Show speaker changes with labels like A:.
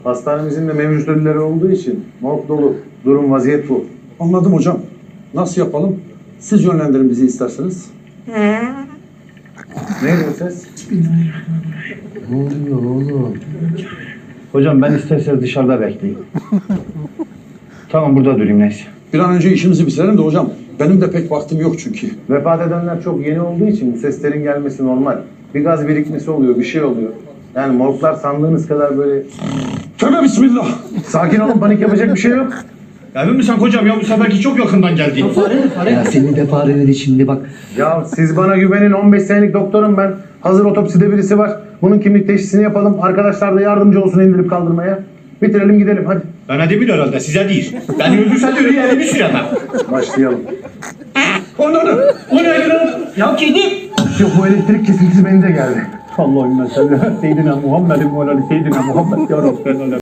A: Hastanemizin de mevcut ölüleri olduğu için morg dolu. Durum vaziyet bu.
B: Anladım hocam. Nasıl yapalım? Siz yönlendirin bizi isterseniz.
A: Neydi o ses?
C: Ne oluyor oğlum? Hocam ben isterseniz dışarıda bekleyeyim. Tamam burada durayım neyse.
B: Bir an önce işimizi bitirelim de hocam. Benim de pek vaktim yok çünkü.
A: Vefat edenler çok yeni olduğu için bu seslerin gelmesi normal. Bir gaz birikmesi oluyor, bir şey oluyor. Yani morglar sandığınız kadar böyle...
B: Tövbe bismillah.
A: Sakin olun, panik yapacak bir şey yok.
D: Emin misin hocam ya bu seferki çok yakından geldi.
C: Ya seni de fare dedi şimdi bak.
A: Ya siz bana güvenin, 15 senelik doktorum ben. Hazır otopside birisi var. Bunun kimlik teşhisini yapalım. Arkadaşlar da yardımcı olsun indirip kaldırmaya. Bitirelim gidelim hadi.
D: Bana değil herhalde size değil. Ben öldürsen de öyle elimi süremem.
A: Başlayalım.
D: O ne lan? Ya kedi.
A: Yok bu elektrik kesintisi beni de geldi.
D: Allahümme salli ala seyyidina Muhammedin ve ala seyyidina Muhammed ya Rabbi.